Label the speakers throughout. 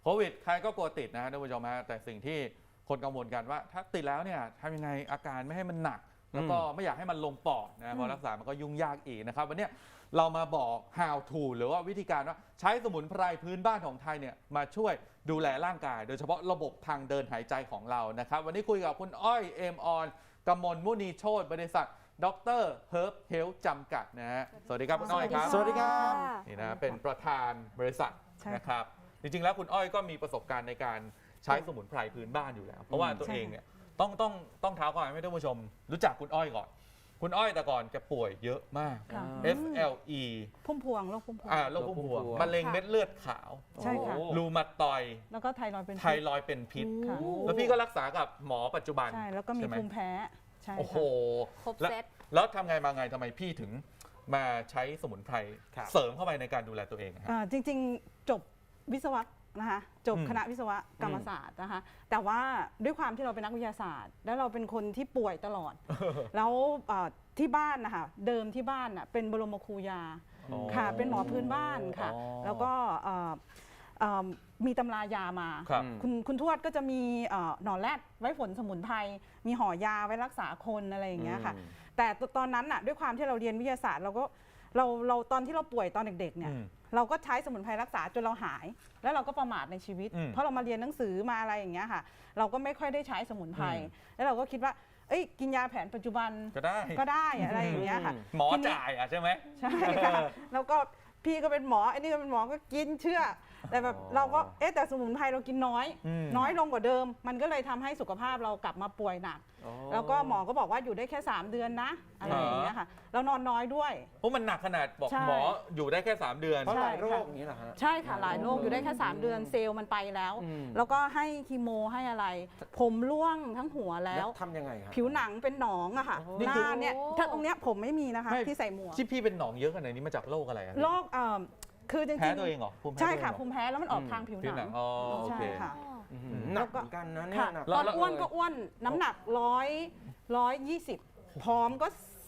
Speaker 1: โควิดใครก็กลัวติดนะท่านผู้ชมฮะแต่สิ่งที่คนกังวลกันว่าถ้าติดแล้วเนี่ยทำยังไงอาการไม่ให้มันหนักแล้วก็ไม่อยากให้มันลงปอดนะเพราะรักษามันก็ยุ่งยากอีกนะครับวันนี้เรามาบอก how to หรือว่าวิธีการว่าใช้สมุนไพรพื้นบ้านของไทยเนี่ยมาช่วยดูแลร่างกายโดยเฉพาะระบบทางเดินหายใจของเรานะครับวันนี้คุยกับคุณอ้อยเอมออนกมลมุนีโชติบริษัทดรเฮิร์บเฮลท์จำกัดนะฮะสวัสดีครับคุณอ้อยครับ
Speaker 2: สวัสดีครับ
Speaker 1: นี่นะเป็นประธานบริษัทนะครับจริงๆแล้วคุณอ้อยก็มีประสบการณ์ในการใช้สมุนไพรพื้นบ้านอยู่แล้วเพราะว่าตัวเองเนี่ยต้องเท้าก่อนให้ท่านผู้ชมรู้จักคุณอ้อยก่อนคุณอ้อยแต่ก่อนแกป่วยเยอะมาก FLE
Speaker 3: พุ่มพวงโรคพุ่มพวง
Speaker 1: โรคพุ่มพวงมะเร็งเม็ดเลือดขาว
Speaker 3: ใช่ค่ะ
Speaker 1: รูมาตอยด์
Speaker 3: แล้วก็ไทรอยด์เป็น
Speaker 1: ไทรอยด์เป็นพิษ
Speaker 3: ค่ะ
Speaker 1: แล้วพี่ก็รักษากับหมอปัจจุบัน
Speaker 3: ใช่แล้วก็มี
Speaker 1: ใช่ไห
Speaker 3: ภูมิแพ้ใช่
Speaker 1: โอ้โห
Speaker 2: ครบเซต
Speaker 1: แล้วทำไงมาไงทำไมพี่ถึงมาใช้สมุนไพร
Speaker 4: ครับ
Speaker 1: เสริมเข้าไปในการดูแลตัวเองอะฮะ
Speaker 3: จริงๆจบวิศวะนะคะจบคณะวิศวกรรมศาสตร์นะคะแต่ว่าด้วยความที่เราเป็นนักวิทยาศาสตร์ แล้วเราเป็นคนที่ป่วยตลอด แล้วที่บ้านนะคะเดิมที่บ้านน่ะเป็นบรมครูยา
Speaker 1: อ๋อ
Speaker 3: ค่ะเป็นหมอพื้นบ้านค่ะ
Speaker 1: อ๋อ
Speaker 3: แล้วก็มีตำรายามา
Speaker 1: ครับ
Speaker 3: คุณทวดก็จะมีหนอนแรดไว้ฝนสมุนไพรมีห่อยาไว้รักษาคนอะไรอย่างเงี้ยค่ะแต่ตอนนั้นน่ะด้วยความที่เราเรียนวิทยาศาสตร์เราตอนที่เราป่วยตอนเด็กๆเนี่ยเราก็ใช้สมุนไพรรักษาจนเราหาย แล้วเราก็ประมาทในชีวิต เพราะเรามาเรียนหนังสือมาอะไรอย่างเงี้ยค่ะเราก็ไม่ค่อยได้ใช้สมุนไพรแล้วเราก็คิดว่าเอ้ยกินยาแผนปัจจุบัน
Speaker 1: ก็ได้
Speaker 3: อะไรอย่างเงี้ยค่ะ
Speaker 1: หมอจ่ายใช่ไหม
Speaker 3: ใช่ค่ะแล้วก็พี่ก็เป็นหมอไอ้นี่ก็เป็นหมอก็กินเชื่อ แต่แบบเราก็แต่สมุนไพรเรากินน้อยลงกว่าเดิม มันก็เลยทำให้สุขภาพเรากลับมาป่วยหนัก แล้วก็หมอก็บอกว่าอยู่ได้แค่3 เดือนนะอะไรอย่างเงี้ยค่ะเรานอนน้อยด้วย
Speaker 1: เพราะมันหนักขนาดบอก
Speaker 3: ใช่
Speaker 1: หมออยู่ได้แค่3 เดือน
Speaker 4: เพราะหลาย
Speaker 3: ใช่
Speaker 4: โร
Speaker 3: ค่ะ
Speaker 4: คอย่างนี้เหรอฮะ
Speaker 3: ใช่ค่ะหลายโรคอยู่ได้แค่3 เดือนเซลล์มันไปแล้ว แล้วก็ให้คีโมให้อะไร ผมร่วงทั้งหัวแล้ว
Speaker 4: ทำยังไงครับ
Speaker 3: ผิวหนังเป็นหนองอะค่ะ
Speaker 1: นี่
Speaker 3: ห
Speaker 1: คือ
Speaker 3: น้าเนี่ยถ้าตรงเนี้ยผมไม่มีนะคะ
Speaker 1: ไม่
Speaker 3: ที่ใส่หมวก
Speaker 1: ที่พี่เป็นหนองเยอะขนาดนี้มาจากโรคอะไรอะ
Speaker 3: โรคคือจริงๆ
Speaker 1: แพ้ตัวเองเหรอภูมิแพ้
Speaker 3: ใช่
Speaker 1: ตัวเอง
Speaker 3: ค่ะ
Speaker 1: เหรอ
Speaker 3: ภูมิแพ้แล้วมันออกทางผิว
Speaker 1: ผิว
Speaker 3: ห
Speaker 1: ห
Speaker 3: นั
Speaker 1: นั
Speaker 3: ง
Speaker 1: งอ๋อโอ
Speaker 3: ใช่
Speaker 1: เค
Speaker 3: ค่ะ
Speaker 4: หนักเหมือนกันนะเนี่ย
Speaker 3: ค่ะ
Speaker 4: หนัก
Speaker 3: ตอน
Speaker 4: มาก
Speaker 3: อ้วน
Speaker 4: เลย
Speaker 3: ก็อ้วนน้ำหนัก120ผอมก็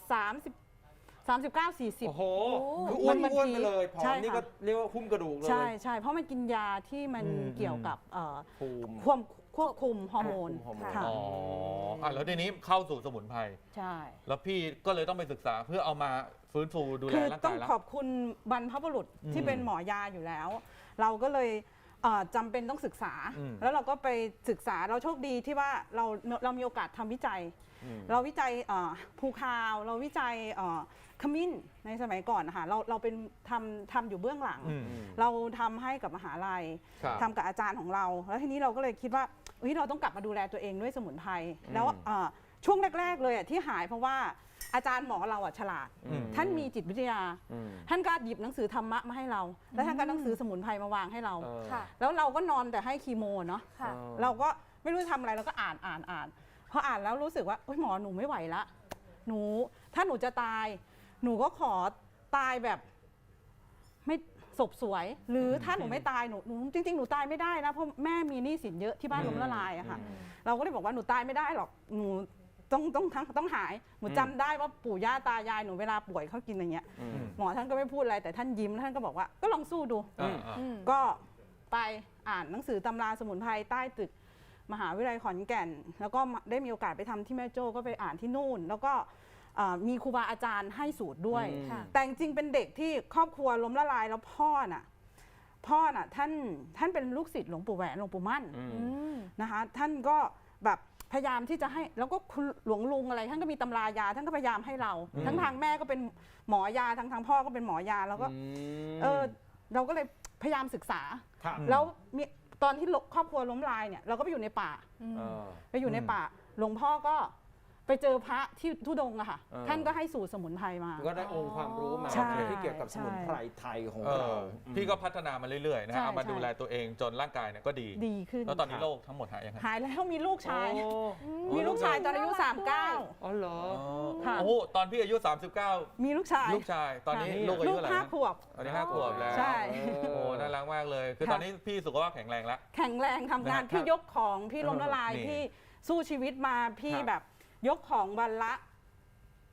Speaker 3: 39-40
Speaker 4: โอ้โหคืออ้วน
Speaker 3: มัน
Speaker 4: อ้วนไปเลยผอ
Speaker 3: ใช่
Speaker 4: มนี่
Speaker 3: ค่ะ
Speaker 4: ก็เรียกว่าหุ้มกระดูกเลย
Speaker 3: ใช่ใช่เพราะมันกินยาที่มันเกี่ยวกับ
Speaker 4: ภูมิ
Speaker 3: ควบคุมฮอร์โมน
Speaker 4: ควบคุมฮอร์โมน
Speaker 3: ค่ะ
Speaker 1: อ๋อแล้วทีนี้เข้าสู่สมุนไพร
Speaker 3: ใช่
Speaker 1: แล้วพี่ก็เลยต้องไปศึกษาเพื่อเอามาฟื้นฟูดูแล
Speaker 3: คือ
Speaker 1: ร่าง
Speaker 3: ต้อก
Speaker 1: าง ยแล้ว
Speaker 3: ขอบคุณบรรพบุรุษที่เป็นหมอยาอยู่แล้ว เราก็เลยจำเป็นต้องศึกษา แล้วเราก็ไปศึกษาเราโชคดีที่ว่าเรามีโอกาสทำวิจัย เราวิจัยภูคาวเราวิจัยขมิ้นในสมัยก่อนนะคะเราเป็นทำอยู่เบื้องหลัง เราทำให้กับมหาลัย
Speaker 1: ครับ
Speaker 3: ทำกับอาจารย์ของเรา แล้วทีนี้เราก็เลยคิดว่าเราต้องกลับมาดูแลตัวเองด้วยสมุนไพรแล้วช่วงแรกๆเลยที่หายเพราะว่าอาจารย์หมอเราฉลาด ท่านมีจิตวิทยา ท่านก็หยิบหนังสือธรรมะมาให้เรา แล้วท่านก็หนังสือสมุนไพรมาวางให้เรา
Speaker 2: ค่ะ
Speaker 3: แล้วเราก็นอนแต่ให้คีโมเนาะ
Speaker 2: ค่ะ
Speaker 3: เราก็ไม่รู้จะทำอะไรเราก็อ่านพออ่านแล้วรู้สึกว่าหมอหนูไม่ไหวละถ้าหนูจะตายหนูก็ขอตายแบบไม่ศพสวย หรือถ้าหนูไม่ตายหนูจริงๆหนูตายไม่ได้นะเพราะแม่มีหนี้สินเยอะที่บ้านล้มละลายอะค่ะเราก็เลยบอกว่าหนูตายไม่ได้หรอกหนูต้องหายหนูจำได้ว่าปู่ย่าตายายหนูเวลาป่วยเขากินอย่างเงี้ยหมอท่านก็ไม่พูดอะไรแต่ท่านยิ้มท่านก็บอกว่าก็ลองสู้ดู ก็ไปอ่านหนังสือตำราสมุนไพรใต้ตึกมหาวิทยาลัยขอนแก่น แล้วก็ได้มีโอกาสไปทำที่แม่โจ้ก็ไปอ่านที่นู่น แล้วก็มีครูบาอาจารย์ให้สูตรด้วย แต่จริงๆเป็นเด็กที่ครอบครัวล้มละลายแล้วพ่อน่ะท่านเป็นลูกศิษย์หลวงปู่แหวนหลวงปู่มั่นนะคะท่านก็แบบพยายามที่จะให้แล้วก็คุณหลวงลุงอะไรท่านก็มีตำรายาท่านก็พยายามให้เราทั้งทางแม่ก็เป็นหมอยาทางพ่อก็เป็นหมอยาแล้วก็เราก็เลยพยายามศึกษา
Speaker 4: ครับ
Speaker 3: แล้วมีตอนที่ครอบครัวล้มลายเนี่ยเราก็ไปอยู่ในป่าไปอยู่ในป่าหลวงพ่อก็ไปเจอพระที่ทุดงค์อะค่ะท่านก็ให้สูตรสมุนไพรมา
Speaker 4: ก็ได้องค์ความรู้มา
Speaker 3: ใช่
Speaker 4: ที่เกี่ยวกับสมุนไพรไทยของเรา
Speaker 1: พี่ก็พัฒนามาเรื่อยๆนะ
Speaker 3: ใช่
Speaker 1: ฮะเอามา
Speaker 3: ใช่
Speaker 1: ดูแลตัวเองจนร่างกายเนี่ยก็ดี
Speaker 3: ดีขึ้น
Speaker 1: แล้วตอนนี้โรคทั้งหมดหายยังไง
Speaker 3: หายแล้วมีลูกชาย
Speaker 4: โ
Speaker 3: มีลูกชายตอนอายุ
Speaker 4: อ๋อเหรอ
Speaker 3: ค่ะ
Speaker 1: โอ้โหตอนพี่อายุ 39
Speaker 3: 39มีลูกชาย
Speaker 1: ลูกชายตอนนี้
Speaker 4: ค่ะ
Speaker 1: ลูกอายุเท่าไหร่
Speaker 3: 5
Speaker 1: นะ
Speaker 3: ขวบ
Speaker 1: ตอนนี้5 ขวบแล้ว
Speaker 3: ใช่
Speaker 1: โอ้น่ารักมากเลย คือ
Speaker 3: ค่ะ
Speaker 1: ตอนนี้พี่สุขภาพแข็งแรงแล้ว
Speaker 3: แข็งแรงทำงาน
Speaker 1: นะฮะ
Speaker 3: พี่ยกของพี่ล้มละลาย
Speaker 1: นี่
Speaker 3: พี่สู้ชีวิตมาพี่
Speaker 4: ครับ
Speaker 3: แบบยกของวันละ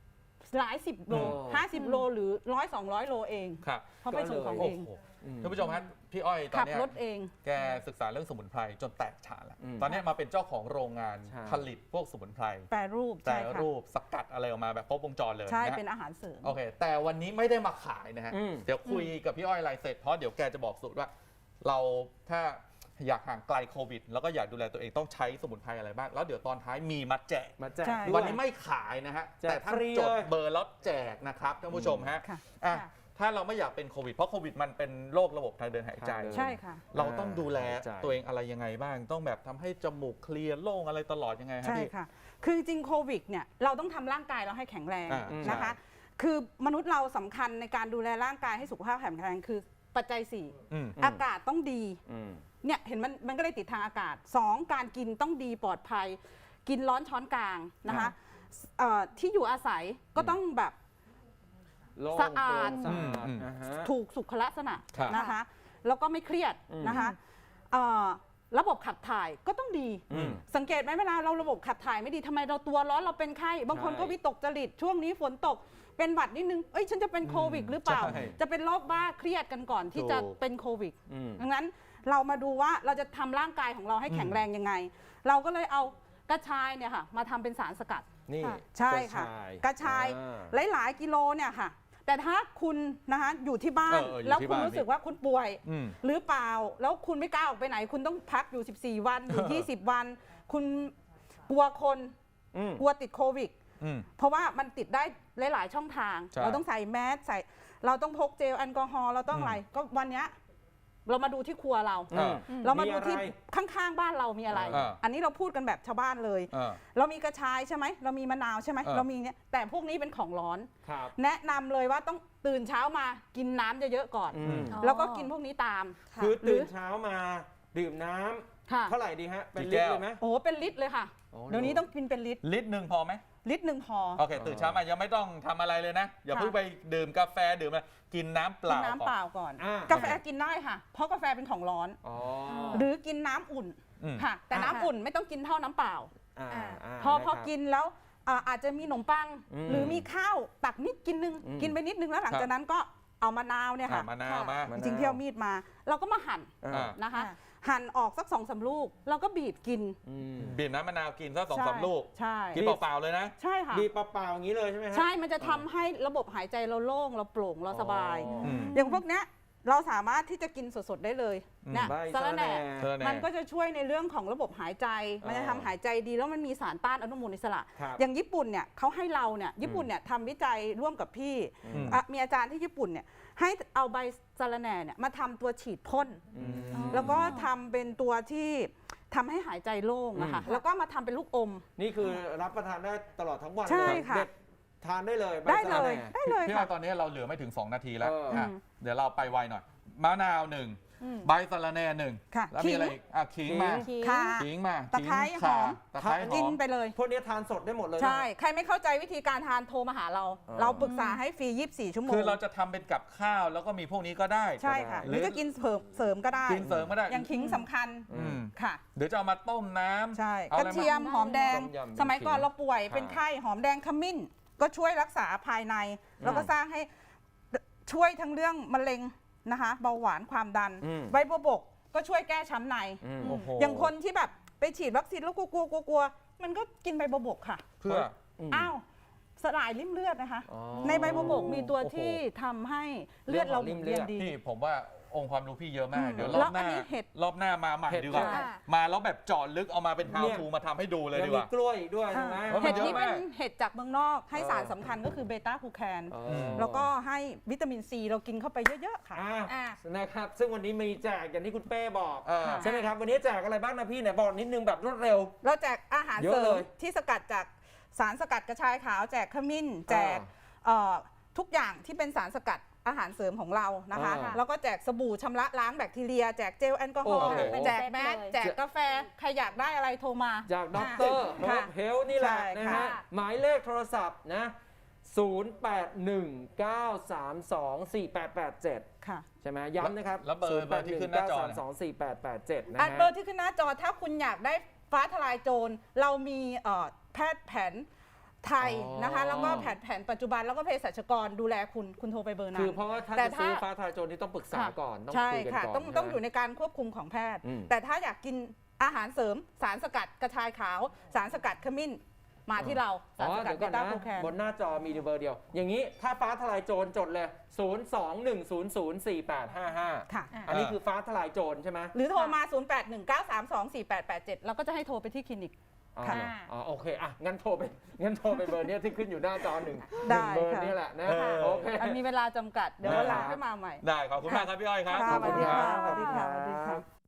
Speaker 3: หลาย10 โล 50 โลหรือ100-200 โลเอง
Speaker 1: ครับ
Speaker 3: เพราะไปส่งของ
Speaker 1: โอ้
Speaker 3: เอง
Speaker 1: โหท่านผู้ชมฮะพี่อ้อยตอน
Speaker 3: ขับ
Speaker 1: เนี้ย
Speaker 3: รถเอง
Speaker 1: แกศึกษาเรื่องสมุนไพรจนแตกฉานแล้ว
Speaker 4: อืม
Speaker 1: ตอนเนี้ยมาเป็นเจ้าของโรงงาน
Speaker 4: ใช่
Speaker 1: ผลิตพวกสมุนไพร
Speaker 3: แปรรูป
Speaker 1: แต่
Speaker 3: ใช่ค่ะ
Speaker 1: รูปสกัดอะไรออกมาแบบครบวงจรเลย
Speaker 3: ใช่
Speaker 1: นะฮะ
Speaker 3: เป็นอาหารเสริม
Speaker 1: โอเค แต่วันนี้ไม่ได้มาขายนะฮะ
Speaker 4: อืม
Speaker 1: เดี๋ยวคุยกับพี่อ้อยอะไรเสร็จ เพราะเดี๋ยวแกจะบอกสูตรว่า เราถ้าอยากห่างไกลโควิด แล้วก็อยากดูแลตัวเองต้องใช้สมุนไพรอะไรบ้าง แล้วเดี๋ยวตอนท้ายมีมาแจก
Speaker 4: มาแจก
Speaker 3: ใช่
Speaker 4: ด้วย
Speaker 1: วันนี้ไม่ขายนะฮะ
Speaker 4: แจก
Speaker 1: แต่ท่าน
Speaker 4: ฟรี
Speaker 1: จด
Speaker 4: เลย
Speaker 1: เบอร์แล้วแจกนะครับท่านผู้ชมฮะ
Speaker 3: ค่ะ
Speaker 1: อ่ะ
Speaker 2: ค่ะ
Speaker 1: ถ้าเราไม่อยากเป็นโควิด เพราะโควิดมันเป็นโรคระบบทางเดินหายใจ
Speaker 3: ใช่ค่ะ
Speaker 1: เราต้องดูแล
Speaker 4: หายใจ
Speaker 1: ตัวเองอะไรยังไงบ้าง ต้องแบบทำให้จมูกเคลียร์โล่งอะไรตลอดยังไงฮะ
Speaker 3: ใช่
Speaker 1: พี่
Speaker 3: ค่ะ คือจริงๆโควิดเนี่ยเราต้องทำร่างกายเราให้แข็งแรง
Speaker 1: อ่า
Speaker 3: นะคะ
Speaker 1: ใช่
Speaker 3: คือมนุษย์เราสำคัญในการดูแลร่างกายให้สุขภาพแข็งแรงคือปัจจัย
Speaker 1: อืม
Speaker 3: 4 อากาศต้องดี
Speaker 4: อืม
Speaker 3: เนี่ยเห็นมันก็เลยติดทางอากาศ 2 การกินต้องดีปลอดภัย กินร้อนช้อนกลางนะคะที่อยู่อาศัยก็ต้องแบบ
Speaker 4: โล่ง
Speaker 3: สะอาด
Speaker 4: โปร่งสะอาด
Speaker 1: อืม
Speaker 4: นะฮะ
Speaker 3: ถูกสุขลักษณะ
Speaker 1: ครับ
Speaker 3: นะคะ แล้วก็ไม่เครียด
Speaker 4: อืม
Speaker 3: นะคะระบบขับถ่ายก็ต้องดี
Speaker 1: อืม
Speaker 3: สังเกตไหมเวลาเราระบบขับถ่ายไม่ดีทำไมเราตัวร้อนเราเป็นไข้บางคน
Speaker 4: ใช่
Speaker 3: ก็วิตกจริตช่วงนี้ฝนตกเป็นหวัดนิดนึงเอ้ยฉันจะเป็นโควิดหรือเปล่า
Speaker 1: ใช่
Speaker 3: จะเป็นโรคบ้าเครียดกันก่อนที่จะ
Speaker 1: ถูก
Speaker 3: เป็นโควิด
Speaker 4: อืม
Speaker 3: ดังนั้นเรามาดูว่าเราจะทำร่างกายของเราให้แข็งแรงยังไง เราก็เลยเอากระชายเนี่ยค่ะมาทำเป็นสารสกัด
Speaker 4: นี่
Speaker 2: ค่ะ
Speaker 3: ใช่ค่ะ กระชาย
Speaker 4: อ่า
Speaker 3: หลายๆกิโลเนี่ยค่ะ แต่ถ้าคุณนะคะอยู่ที่บ้าน
Speaker 1: อยู่
Speaker 3: แล้ว
Speaker 1: ที่
Speaker 3: คุณ
Speaker 1: บ้าน
Speaker 3: รู้สึกว่าคุณป่วย
Speaker 1: อืม
Speaker 3: หรือเปล่า แล้วคุณไม่กล้าออกไปไหน คุณต้องพักอยู่ 14 วันอยู่ 20 วัน คุณกลัวคน
Speaker 4: อืม
Speaker 3: กลัวติดโควิด
Speaker 1: อืม
Speaker 3: เพราะว่ามันติดได้หลาย ๆ ช่องทาง
Speaker 1: ใช่
Speaker 3: เราต้องใส่แมสใส่เราต้องพกเจลแอลกอฮอล์เราต้องอะไร ก็วันเนี้ยเรามาดูที่ครัวเรา
Speaker 1: อ่า
Speaker 3: เรามาดูที่
Speaker 4: อะไร
Speaker 3: ข้าง ๆ บ้านเรามีอะไร
Speaker 1: อ่า
Speaker 3: อันนี้เราพูดกันแบบชาวบ้านเลย
Speaker 1: อ่า
Speaker 3: เรามีกระชายใช่ไหมเรามีมะนาวใช่ไหม เรามีเนี่ยแต่พวกนี้เป็นของร้อน
Speaker 4: ครับ
Speaker 3: แนะนำเลยว่าต้องตื่นเช้ามากินน้ำเยอะๆก่อน
Speaker 4: อืม
Speaker 2: อ๋อ
Speaker 3: แล้วก็กินพวกนี้ตาม
Speaker 2: ค่ะ
Speaker 4: คือตื่นเช้ามาดื่มน้ำ
Speaker 3: ค่ะ
Speaker 4: เท่าไหร่ดีฮะ เป็น
Speaker 1: กี่
Speaker 4: ลิ
Speaker 1: แก้
Speaker 4: ตร
Speaker 1: ว
Speaker 4: เลยไหม
Speaker 3: โอ้โหเป็นลิตรเลยค่ะ
Speaker 4: โอ้
Speaker 3: เดี๋ยวนี้ต้องกินเป็นลิตร
Speaker 1: ลิตรหนึ่งพอไหม
Speaker 3: ลิตรหนึ่งพอ
Speaker 1: โอเคตื่นเช้ามายังไม่ต้องทำอะไรเลยนะ อย่า
Speaker 3: ค่ะ
Speaker 1: เพิ่งไปดื่มกาแฟดื่มอะไรกินน้ำเป
Speaker 3: กิน
Speaker 1: ล่า
Speaker 3: น้ำ
Speaker 1: ก่อน
Speaker 3: เปล่าก่อน
Speaker 4: อ่า
Speaker 3: กาแฟกินได้ค่ะ เพราะกาแฟเป็นของร้อน
Speaker 4: อ๋อ
Speaker 3: หรือกินน้ำอุ่น
Speaker 1: อืม
Speaker 3: ค่ะ แต่น้ำ
Speaker 2: อ่า
Speaker 3: อุ่นไม่ต้องกินเท่าน้ำเปล่า
Speaker 4: อ่า
Speaker 3: พอ
Speaker 4: นะครับ
Speaker 3: กินแล้วอาจจะมีขนมปัง
Speaker 4: อืม
Speaker 3: หรือมีข้าวตักนิดกินนึง
Speaker 4: อืม
Speaker 3: กินไปนิดนึงแล้วหลัง
Speaker 1: ครับ
Speaker 3: จากนั้นก็เอามะนาวเนี่ย
Speaker 1: อ่ะ
Speaker 3: ค่ะ
Speaker 1: มะนาวมา
Speaker 4: มะ
Speaker 3: จริงๆที่เอามีดมา เราก็มาหั่น
Speaker 4: อ่า
Speaker 3: นะคะ
Speaker 2: ค่ะ
Speaker 3: หั่นออกสัก2-3 ลูกแล้วก็บีบกิน
Speaker 4: อืม
Speaker 1: บีบน้ำมะนาวกินสัก2-3
Speaker 3: ใช่
Speaker 1: ลูก
Speaker 3: ใช่
Speaker 1: กินเปล่าๆเลยนะ
Speaker 3: ใช่ค่ะ
Speaker 4: บีบเปล่าๆอย่างนี้เลยใช่ไหมฮะ
Speaker 3: ใช่มันจะทำให้ระบบหายใจเราโล่งเราโปร่งเราสบาย
Speaker 4: อ๋อ
Speaker 1: ม
Speaker 3: อย่างพวกเนี้ยเราสามารถที่จะกินสดๆได้เลย
Speaker 1: อืม
Speaker 3: เนี่ย
Speaker 4: ใบ
Speaker 3: สะระแหน่
Speaker 1: เธอแน่
Speaker 3: มันก็จะช่วยในเรื่องของระบบหายใจ มันจะ
Speaker 4: อ๋อ
Speaker 3: ทำหายใจดีแล้วมันมีสารต้านอนุมูลอิสระ
Speaker 4: ครับ
Speaker 3: อย่างญี่ปุ่นเนี่ยเขาให้เราเนี่ยญี่ปุ่นเนี่ยทำวิจัยร่วมกับพี่
Speaker 1: อืม
Speaker 3: มีอาจารย์ที่ญี่ปุ่นเนี่ยให้เอาใบสะระแหน่เนี่ยมาทำตัวฉีดพ่น
Speaker 4: อืม
Speaker 2: อ๋อ
Speaker 3: แล้วก็ทำเป็นตัวที่ทำให้หายใจโล่งนะคะ
Speaker 4: อืม
Speaker 3: แล้วก็มาทำเป็นลูกอม
Speaker 4: นี่คือรับประทานได้ตลอดทั้งวัน
Speaker 3: ใช่
Speaker 4: เลย
Speaker 3: ค่ะ
Speaker 4: เด็ดทานได้เลยใบ
Speaker 3: ได้
Speaker 4: สะ
Speaker 3: เล
Speaker 4: ระ
Speaker 3: ย
Speaker 4: แหน่
Speaker 3: ได้เลย
Speaker 1: พี่
Speaker 3: ค่ะ
Speaker 1: ว่าตอนนี้เราเหลือไม่ถึง 2 นาทีแล้ว
Speaker 4: เอออ่
Speaker 1: ะเดี๋ยวเราไปไวหน่อยมะนาวหนึ่ง
Speaker 3: อืม
Speaker 1: ใบสะระแหน่หนึ่ง
Speaker 3: ค่ะ
Speaker 1: แล้วมีอะไรอีกอ่ะขิงมา
Speaker 2: ขิง
Speaker 3: ค่ะ
Speaker 1: ขิงมา
Speaker 3: ตะไคร้
Speaker 1: ขิง
Speaker 3: หอม
Speaker 1: ข่าตะไคร้ห
Speaker 3: กิ
Speaker 1: อน ม
Speaker 3: ไปเลย
Speaker 4: พวกนี้ทานสดได้หมดเลยนะ
Speaker 3: ใช่ ใครไม่เข้าใจวิธีการทานโทรมาหาเรา
Speaker 4: อ๋อ
Speaker 3: เราปรึกษาให้ฟรี 24 ชั่วโมง
Speaker 1: คือเราจะทำเป็นกับข้าวแล้วก็มีพวกนี้ก็ได้
Speaker 3: ใช่ค่ะ
Speaker 1: ห
Speaker 3: ห
Speaker 1: รื
Speaker 3: รือ อจะกินเสริมก็ได้
Speaker 1: กินเสริมก็ได้
Speaker 3: อย่างขิงสำคัญ
Speaker 1: อืม
Speaker 3: ค่ะ
Speaker 1: เดี๋ยวจะเอามาต้มน้ำ
Speaker 3: ใช่
Speaker 1: เอา
Speaker 3: ก
Speaker 1: อะไร
Speaker 3: ระ
Speaker 1: มา
Speaker 3: เทียมหอมแดง
Speaker 4: ต้มยำ
Speaker 3: สมัยก่อน
Speaker 4: ขิง
Speaker 3: เราป่วย
Speaker 4: ค่ะ
Speaker 3: เป็นไข้หอมแดงขมิ้น ก็ช่วยรักษาภายใน แล้วก็สร้างให้ช่วยทั้งเรื่องมะเร็งนะคะ เบาหวานความดัน
Speaker 4: อืม
Speaker 3: ใบบัวบกก็ช่วยแก้ช้ำใน
Speaker 4: อืม
Speaker 1: โอ้โห
Speaker 3: อย่างคนที่แบบไปฉีดวัคซีนแล้วกลัวมันก็กินใบบัวบกค่ะ
Speaker 1: เพื่อ
Speaker 3: อ้าวสลายริ่มเลือดนะคะ
Speaker 4: อ๋อ
Speaker 3: ในใบบัวบกมีตัว
Speaker 1: โอ้โห
Speaker 3: ที่ทำให้เลือดเราหมุนเวียนดี
Speaker 1: พี่ผมว่าองค์ความรู้พี่เยอะมาก
Speaker 3: อืม
Speaker 1: เดี๋ยวรอบห
Speaker 3: แล้วอั
Speaker 1: น้าน
Speaker 3: นี้เห็ด
Speaker 1: รอบหน้ามาใหม่
Speaker 4: เห็ด
Speaker 1: ดีกว่า
Speaker 2: ค่ะ
Speaker 1: มาแล้วแบบเจาะลึกเอามาเป็น how
Speaker 4: เนี่ย
Speaker 1: to มาทำให้ดูเลย
Speaker 4: แล้ว
Speaker 1: ดีก
Speaker 4: มี
Speaker 1: ว่า
Speaker 4: กล้วยด้วยใช่ไหม
Speaker 1: เพราะมั
Speaker 3: เห็
Speaker 1: น
Speaker 3: ด
Speaker 1: เยอะ
Speaker 3: นี้เป็น
Speaker 1: มาก
Speaker 3: เห็ดจากเมืองนอกให้สารสำคัญก็คือเบต้าคูแคน
Speaker 4: อ๋อ
Speaker 3: แล้วก็ให้วิตามินซีเรากินเข้าไปเยอะๆค่ะ
Speaker 2: อ่ะ
Speaker 4: นะครับ ซึ่งวันนี้มีแจกอย่างที่คุณเป้บอก
Speaker 1: เออ
Speaker 4: ใช่ไหมครับ วันนี้แจกอะไรบ้างนะพี่ไหนบอกนิดนึงแบบรวดเร็ว
Speaker 3: เราแจกอาหาร
Speaker 4: เยอะ
Speaker 3: เสริ
Speaker 4: เล
Speaker 3: ม
Speaker 4: ย
Speaker 3: ที่สกัดจากสารสกัดกระชายขาว แจกขมิ้น แจกทุกอย่างที่เป็นสารสกัดอาหารเสริมของเรานะคะ
Speaker 4: อ่า
Speaker 3: แล้วก็แจกสบู่ชำระล้างแบคทีเรีย แจกเจลแอลกอฮอล์
Speaker 1: โอ้โห
Speaker 3: แจกแมส
Speaker 2: เป็นเซตเลย
Speaker 3: แจกกาแฟใครอยากได้อะไรโทรมา
Speaker 4: จากด็อกเตอร์
Speaker 3: ค่ะ
Speaker 4: เฮลนี่แหละ
Speaker 3: ใช่
Speaker 4: นะ
Speaker 3: ค่ะ
Speaker 4: ฮะหมายเลขโทรศัพท์นะ 0819324887
Speaker 3: ค่ะ
Speaker 4: ใช่ไหมย้ำนะครับ
Speaker 1: แล้วเบอร์ที่ขึ้นหน้าจอเนี่ย
Speaker 4: 0819324887 นะ
Speaker 3: อัน
Speaker 4: ฮะ
Speaker 3: เบอร์ที่ขึ้นหน้าจอถ้าคุณอยากได้ฟ้าทลายโจรเรามีแพทย์แผนไทยนะคะ แล้วก็แผนปัจจุบันแล้วก็เภสัชกรดูแลคุณโทรไปเบอร์นั้
Speaker 4: คื
Speaker 3: น
Speaker 4: อเพราะว่าถ้า
Speaker 3: แต่
Speaker 4: จะซื้อ
Speaker 3: ถ้า
Speaker 4: ฟ้าทลายโจรนี่ต้องปรึกษาก่อนต้อง
Speaker 3: ใช่
Speaker 4: คุยกัน
Speaker 3: ค่ะ
Speaker 4: ก่อน
Speaker 3: ต้องอยู่ในการควบคุมของแพทย์ แต่ถ้าอยากกินอาหารเสริมสารสกัดกระชายขาว สารสกัดขมิ้นมาที่เราสารสกัด
Speaker 4: เดี๋ยว
Speaker 3: เบ
Speaker 4: ก่อน
Speaker 3: ต้า
Speaker 4: นะ
Speaker 3: โคแคน
Speaker 4: บนหน้าจอมีเบอร์เดียว อย่างนี้ถ้าฟ้าทลายโจรจดเลย 021004855
Speaker 3: ค่ะ
Speaker 4: อันนี้คือฟ้าทลายโจรใช่ไหม
Speaker 3: หรือโทรมา 0819324887 เราก็จะให้โทรไปที่คลินิก
Speaker 4: อ๋อ
Speaker 3: ค่ะ
Speaker 4: อ๋อโอเคอ่ะงั้นโทรไปเบอร์เนี้ยที่ขึ้นอยู่หน้าจอหนึ่ง
Speaker 3: ได้
Speaker 4: เบอร์
Speaker 3: ค่ะ
Speaker 4: นี้แหละนะ
Speaker 1: ค่ะ
Speaker 4: โอเค
Speaker 3: อันมีเวลาจำกัด เดี๋ยววันหลังค่อยมาใหม่
Speaker 1: ได้ขอบคุณมากครับพี่อ้อยครับ
Speaker 3: ค่ะ
Speaker 1: ขอบคุณครับ
Speaker 3: สวัสดีค่ะสวัสดีค่ะ